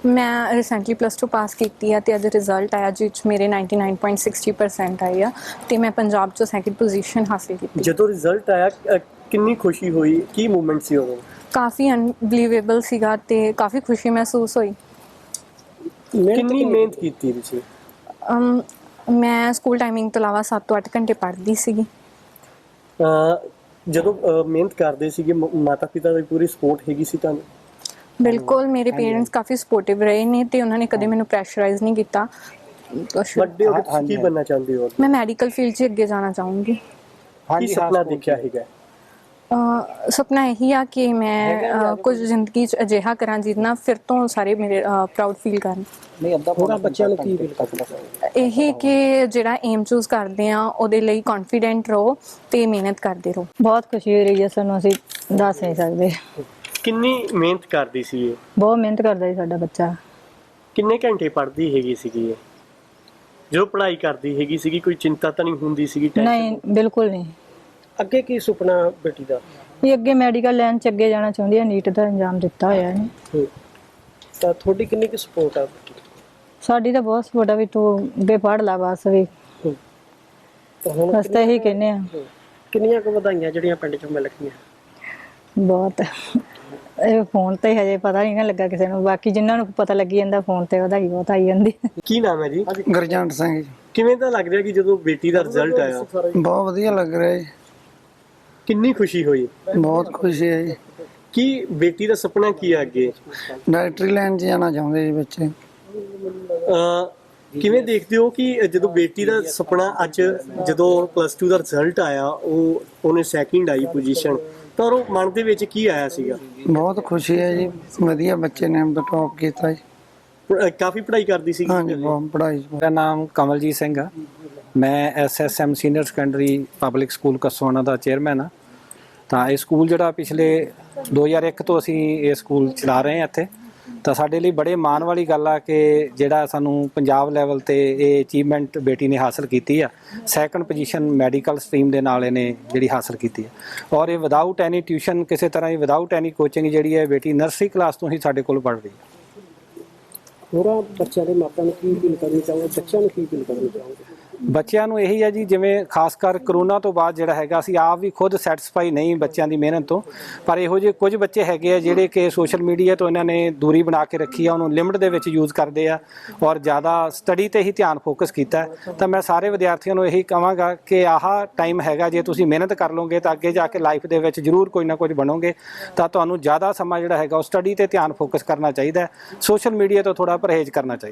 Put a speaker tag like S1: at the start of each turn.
S1: ਮੈਂ ਰੀਸੈਂਟਲੀ +2 ਪਾਸ ਕੀਤੀ ਆ ਤੇ ਅੱਜ ਰਿਜ਼ਲਟ ਆਇਆ ਜਿਸ 'ਚ ਮੇਰੇ 99.60% ਆਏ ਆ ਤੇ ਮੈਂ ਪੰਜਾਬ 'ਚੋਂ ਸੈਕਿੰਡ ਪੋਜੀਸ਼ਨ ਹਾਸਿਲ ਕੀਤੀ।
S2: ਜਦੋਂ ਰਿਜ਼ਲਟ ਆਇਆ ਕਿੰਨੀ ਖੁਸ਼ੀ ਹੋਈ, ਕੀ ਮੂਵਮੈਂਟ ਸੀ ਉਦੋਂ?
S1: ਕਾਫੀ ਅਨਬਲੀਵੇਬਲ ਸੀਗਾ ਤੇ ਕਾਫੀ ਖੁਸ਼ੀ ਮਹਿਸੂਸ ਹੋਈ।
S2: ਕਿੰਨੀ ਮਿਹਨਤ ਕੀਤੀ ਤੁਸੀਂ?
S1: ਮੈਂ ਸਕੂਲ ਟਾਈਮਿੰਗ ਤੋਂ ਇਲਾਵਾ 7 ਤੋਂ 8 ਘੰਟੇ ਪੜ੍ਹਦੀ ਸੀਗੀ।
S2: ਜਦੋਂ ਮਿਹਨਤ ਕਰਦੇ ਸੀਗੇ ਮਾਤਾ ਪਿਤਾ ਦੀ ਪੂਰੀ ਸਪੋਰਟ ਹੈਗੀ ਸੀ ਤੁਹਾਨੂੰ?
S1: ਬਿਲਕੁਲ, ਮੇਰੇ ਪੇਰੈਂਟਸ ਕਾਫੀ ਸਪੋਰਟਿਵ ਰਹੇ ਨੇ ਤੇ ਉਹਨਾਂ ਨੇ ਕਦੇ ਮੈਨੂੰ ਪ੍ਰੈਸ਼ਰਾਈਜ਼ ਨਹੀਂ ਕੀਤਾ।
S2: ਵੱਡੇ ਹੋ ਕੇ ਤੁਸੀਂ ਕੀ ਬਣਨਾ ਚਾਹੁੰਦੇ ਹੋ?
S1: ਮੈਂ ਮੈਡੀਕਲ ਫੀਲਡ 'ਚ ਅੱਗੇ ਜਾਣਾ ਚਾਹੂੰਗੀ।
S2: ਕੀ ਸੁਪਨਾ ਦੇਖਿਆ ਹੈਗਾ?
S1: ਸੁਪਨਾ ਇਹੀ ਆ ਕਿ ਮੈਂ ਕੁਝ ਜ਼ਿੰਦਗੀ 'ਚ ਅਜਿਹਾ ਕਰਾਂ ਜਿਹਦੇ ਨਾਲ ਫਿਰ ਤੋਂ ਸਾਰੇ ਮੇਰੇ ਪ੍ਰਾਊਡ ਫੀਲ ਕਰਨ।
S2: ਹੋਰਾਂ ਬੱਚਿਆਂ ਨੂੰ ਕੀ ਫੀਲ ਕਰਨਾ?
S1: ਇਹ ਕਿ ਜਿਹੜਾ ਏਮ ਚੂਜ਼ ਕਰਦੇ ਆ ਉਹਦੇ ਲਈ ਕੌਨਫੀਡੈਂਟ ਰਹੋ ਤੇ ਮਿਹਨਤ ਕਰਦੇ ਰਹੋ।
S3: ਬਹੁਤ ਖੁਸ਼ੀ ਹੋ ਰਹੀ ਹੈ ਸਾਨੂੰ, ਅਸੀਂ ਦੱਸ ਨਹੀਂ ਸਕਦੇ।
S2: ਕਿੰਨੀ ਮਿਹਨਤ ਕਰਦੀ ਸੀ ਇਹ?
S3: ਬਹੁਤ ਮਿਹਨਤ ਕਰਦਾ ਜੀ ਸਾਡਾ ਬੱਚਾ।
S2: ਕਿੰਨੇ ਘੰਟੇ ਪੜ੍ਹਦੀ ਹੈਗੀ ਸੀਗੀ ਇਹ? ਜਦੋਂ ਪੜ੍ਹਾਈ ਕਰਦੀ ਹੈਗੀ ਸੀਗੀ ਕੋਈ ਚਿੰਤਾ ਤਾਂ ਨਹੀਂ ਹੁੰਦੀ ਸੀਗੀ?
S3: ਨਹੀਂ, ਬਿਲਕੁਲ ਨਹੀਂ।
S2: ਅੱਗੇ ਕੀ ਸੁਪਨਾ ਬੇਟੀ ਦਾ?
S3: ਇਹ ਅੱਗੇ ਮੈਡੀਕਲ ਲਾਈਨ 'ਚ ਅੱਗੇ ਜਾਣਾ ਚਾਹੁੰਦੀ ਹੈ, ਨੀਟ ਦਾ ਇੰਜਾਮ ਦਿੱਤਾ ਹੋਇਆ ਨੇ।
S2: ਤਾਂ ਤੁਹਾਡੀ ਕਿੰਨੀ ਕੁ ਸਪੋਰਟ ਆ?
S3: ਸਾਡੀ ਤਾਂ ਬਹੁਤ ਸਪੋਰਟ ਆ ਵੀ ਤੂੰ ਅੱਗੇ ਪੜ੍ਹ ਲਾ ਬਸ ਵੀ। ਬਸ ਤਾਂ ਇਹੀ ਕਹਿੰਦੇ ਆ।
S2: ਕਿੰਨੀਆਂ ਕੁ ਵਧਾਈਆਂ ਜਿਹੜੀਆਂ ਪਿੰਡ 'ਚੋਂ ਮਿਲ ਗਈਆਂ?
S3: ਬਹੁਤ। ਇਹ ਫੋਨ ਤੇ ਹਜੇ ਪਤਾ ਨਹੀਂ ਨਾ ਲੱਗਾ ਕਿਸੇ ਨੂੰ, ਬਾਕੀ ਜਿਨ੍ਹਾਂ ਨੂੰ ਪਤਾ ਲੱਗੀ ਜਾਂਦਾ ਫੋਨ ਤੇ ਵਧਾਈ ਬਹੁਤ ਆਈ ਜਾਂਦੀ।
S2: ਕੀ ਨਾਮ ਹੈ ਜੀ?
S4: ਗੁਰਜੰਟ ਸਿੰਘ ਜੀ।
S2: ਕਿਵੇਂ ਦਾ ਲੱਗ ਰਿਹਾ ਕਿ ਜਦੋਂ ਬੇਟੀ ਦਾ ਰਿਜ਼ਲਟ ਆਇਆ?
S4: ਬਹੁਤ ਵਧੀਆ ਲੱਗ ਰਿਹਾ ਜੀ।
S2: ਕਿੰਨੀ ਖੁਸ਼ੀ ਹੋਈ?
S4: ਬਹੁਤ ਖੁਸ਼ੀ ਹੈ ਜੀ।
S2: ਕੀ ਬੇਟੀ ਦਾ ਸੁਪਨਾ ਕੀ ਹੈ ਅੱਗੇ?
S4: ਡਾਕਟਰੀ ਲਾਈਨ 'ਚ ਜਾਣਾ ਚਾਹੁੰਦੇ ਜੀ ਬੱਚੇ।
S2: ਕਿਵੇਂ ਦੇਖਦੇ ਹੋ ਕਿ ਜਦੋਂ ਬੇਟੀ ਦਾ ਸੁਪਨਾ ਅੱਜ ਜਦੋਂ +2 ਦਾ ਰਿਜ਼ਲਟ ਆਇਆ ਉਹਨੇ ਸੈਕਿੰਡ ਆਈ ਪੋਜੀਸ਼ਨ, ਤਾਂ ਉਹ ਮਨ ਦੇ ਵਿੱਚ ਕੀ ਆਇਆ ਸੀਗਾ?
S4: ਬਹੁਤ ਖੁਸ਼ੀ ਹੈ ਜੀ, ਵਧੀਆ ਬੱਚੇ ਨੇ ਟੌਪ ਕੀਤਾ ਜੀ।
S2: ਕਾਫੀ ਪੜ੍ਹਾਈ ਕਰਦੀ ਸੀ?
S4: ਹਾਂਜੀ, ਬਹੁਤ ਪੜ੍ਹਾਈ।
S5: ਮੇਰਾ ਨਾਮ ਕਮਲਜੀਤ ਸਿੰਘ ਆ। ਮੈਂ SSM senior secondary public school Kasona ਦਾ ਚੇਅਰਮੈਨ ਆ। ਤਾਂ ਇਹ ਸਕੂਲ ਜਿਹੜਾ ਪਿਛਲੇ 2001 ਤੋਂ ਅਸੀਂ ਇਹ ਸਕੂਲ ਚਲਾ ਰਹੇ ਹਾਂ ਇੱਥੇ। ਤਾਂ ਸਾਡੇ ਲਈ ਬੜੇ ਮਾਣ ਵਾਲੀ ਗੱਲ ਆ ਕਿ ਜਿਹੜਾ ਸਾਨੂੰ ਪੰਜਾਬ ਲੈਵਲ ਤੇ ਇਹ ਅਚੀਵਮੈਂਟ ਬੇਟੀ ਨੇ ਹਾਸਲ ਕੀਤੀ ਆ। ਸੈਕੰਡ ਪੋਜੀਸ਼ਨ ਮੈਡੀਕਲ ਸਟਰੀਮ ਦੇ ਨਾਲ ਇਹਨੇ ਜਿਹੜੀ ਹਾਸਲ ਕੀਤੀ ਆ, ਔਰ ਇਹ ਵਿਦਆਊਟ ਐਨੀ ਟਿਊਸ਼ਨ, ਕਿਸੇ ਤਰ੍ਹਾਂ ਦੀ ਵਿਦਆਊਟ ਐਨੀ ਕੋਚਿੰਗ ਜਿਹੜੀ ਹੈ ਬੇਟੀ ਨਰਸਰੀ ਕਲਾਸ ਤੋਂ ਹੀ ਸਾਡੇ ਕੋਲ ਪੜ੍ਹ ਰਹੀ ਹੈ।
S2: ਹੋਰਾਂ ਬੱਚਿਆਂ ਦੇ ਮਾਪਿਆਂ ਨੂੰ ਕੀ ਫੀਲ ਕਰਨੀ ਚਾਹੋਗੇ? ਬੱਚਿਆਂ ਨੂੰ ਕੀ ਫੀਲ ਕਰਨੀ ਚਾਹੋਗੇ?
S5: ਬੱਚਿਆਂ ਨੂੰ ਇਹੀ ਹੈ ਜੀ, ਜਿਵੇਂ ਖਾਸ ਕਰ ਕਰੋਨਾ ਤੋਂ ਬਾਅਦ ਜਿਹੜਾ ਹੈਗਾ ਅਸੀਂ ਆਪ ਵੀ ਖੁਦ ਸੈਟੀਸਫਾਈ ਨਹੀਂ ਬੱਚਿਆਂ ਦੀ ਮਿਹਨਤ ਤੋਂ, ਪਰ ਇਹੋ ਜਿਹੇ ਕੁਝ ਬੱਚੇ ਹੈਗੇ ਆ ਜਿਹੜੇ ਕਿ ਸੋਸ਼ਲ ਮੀਡੀਆ ਤੋਂ ਇਹਨਾਂ ਨੇ ਦੂਰੀ ਬਣਾ ਕੇ ਰੱਖੀ ਆ, ਉਹਨੂੰ ਲਿਮਟ ਦੇ ਵਿੱਚ ਯੂਜ਼ ਕਰਦੇ ਆ ਔਰ ਜ਼ਿਆਦਾ ਸਟੱਡੀ ਤੇ ਹੀ ਧਿਆਨ ਫੋਕਸ ਕੀਤਾ। ਤਾਂ ਮੈਂ ਸਾਰੇ ਵਿਦਿਆਰਥੀਆਂ ਨੂੰ ਇਹੀ ਕਹਾਂਗਾ ਕਿ ਆਹ ਟਾਈਮ ਹੈਗਾ, ਜੇ ਤੁਸੀਂ ਮਿਹਨਤ ਕਰ ਲਓਗੇ ਤਾਂ ਅੱਗੇ ਜਾ ਕੇ ਲਾਈਫ ਦੇ ਵਿੱਚ ਜ਼ਰੂਰ ਕੋਈ ਨਾ ਕੁਝ ਬਣੋਗੇ। ਤਾਂ ਤੁਹਾਨੂੰ ਜ਼ਿਆਦਾ ਸਮਾਂ ਜਿਹੜਾ ਹੈਗਾ ਉਹ ਸਟੱਡੀ ਤੇ ਧਿਆਨ ਫੋਕਸ ਕਰਨਾ ਚਾਹੀਦਾ ਹੈ, ਸੋਸ਼ਲ ਮੀਡੀਆ ਤੋਂ ਥੋੜ੍ਹਾ ਪਰਹੇਜ਼ ਕਰਨਾ ਚਾਹੀਦਾ।